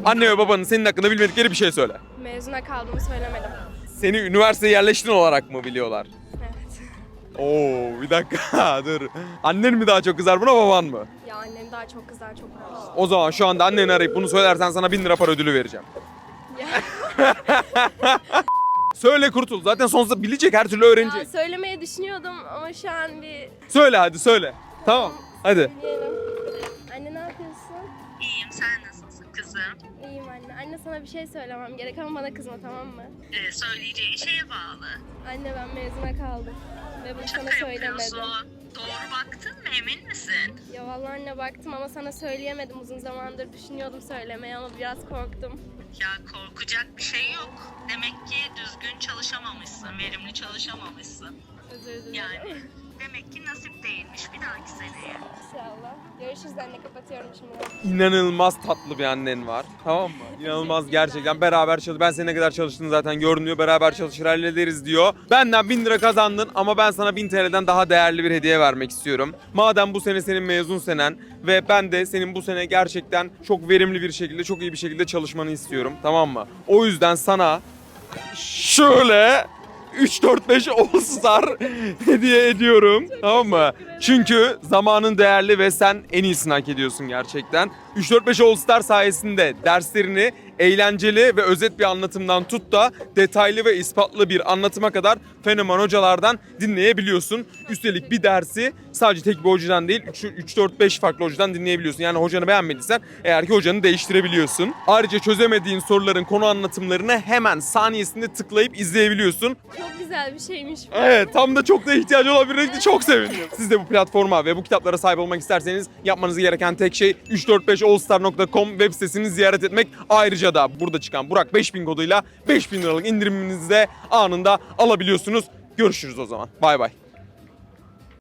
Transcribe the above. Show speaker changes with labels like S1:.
S1: Anne ve babanın senin hakkında bilmedikleri bir şey söyle.
S2: Mezuna kaldığımı söylemedim.
S1: Seni üniversiteye yerleştin olarak mı biliyorlar?
S2: Evet.
S1: Oo, bir dakika dur. Annen mi daha çok kızar buna, baban mı?
S2: Ya annem daha çok kızar, çok uğraştı.
S1: O zaman şu anda anneni arayıp bunu söylersen sana 1000 lira para ödülü vereceğim.
S2: Ya,
S1: Söyle kurtul. Zaten sonsuza bilecek, her türlü öğrenecek.
S2: ya söylemeyi düşünüyordum ama şu an bir...
S1: Söyle hadi söyle. Tamam. Hadi.
S2: Söyleyelim. Anne ne yapıyorsun?
S3: İyiyim, sen nasılsın kızım?
S2: İyiyim anne. Anne sana bir şey söylemem gerek ama bana kızma, tamam mı?
S3: Söyleyeceğin şeye bağlı.
S2: Anne ben mezuna kaldım. Ve bunu sana
S3: Şaka
S2: söylemedim.
S3: yapıyorsun. Doğru baktın mı, emin misin?
S2: Ya vallahi anne baktım ama sana söyleyemedim. Uzun zamandır düşünüyordum söylemeye ama biraz korktum.
S3: Ya korkacak bir şey yok. Demek ki düzgün çalışamamışsın, verimli çalışamamışsın.
S2: Özür dilerim.
S3: Yani demek ki nasip değilmiş bir dahaki seneye.
S2: İnşallah. Görüşürüz anne, kapatıyorum şimdi.
S1: İnanılmaz tatlı bir annen var. Tamam mı? İnanılmaz gerçekten. Beraber çalış. Ben senin ne kadar çalıştığını zaten görünüyor. Beraber çalışır hallederiz diyor. Benden 1000 lira kazandın ama ben sana 1000 TL'den daha değerli bir hediye vermek istiyorum. Madem bu sene senin mezun senen ve ben de senin bu sene gerçekten çok verimli bir şekilde, çok iyi bir şekilde çalışmanı istiyorum. Tamam mı? O yüzden sana şöyle 3-4-5 All-Star hediye ediyorum. Tamam mı? Çünkü zamanın değerli ve sen en iyisini hak ediyorsun gerçekten. 3-4-5 All-Star sayesinde derslerini eğlenceli ve özet bir anlatımdan tut da detaylı ve ispatlı bir anlatıma kadar fenomen hocalardan dinleyebiliyorsun. Üstelik bir dersi sadece tek bir hocadan değil 3-4-5 farklı hocadan dinleyebiliyorsun. Yani hocanı beğenmediysen eğer ki hocanı değiştirebiliyorsun. Ayrıca çözemediğin soruların konu anlatımlarını hemen saniyesinde tıklayıp izleyebiliyorsun.
S2: Çok güzel bir şeymiş bu.
S1: Evet, tam da çok da ihtiyacı olabilirdi. Çok sevindim. Siz de bu platforma ve bu kitaplara sahip olmak isterseniz yapmanız gereken tek şey 345allstar.com web sitesini ziyaret etmek. Ayrıca da burada çıkan Burak 5000 koduyla 5000 liralık indiriminizi de anında alabiliyorsunuz. Görüşürüz o zaman. Bay bay.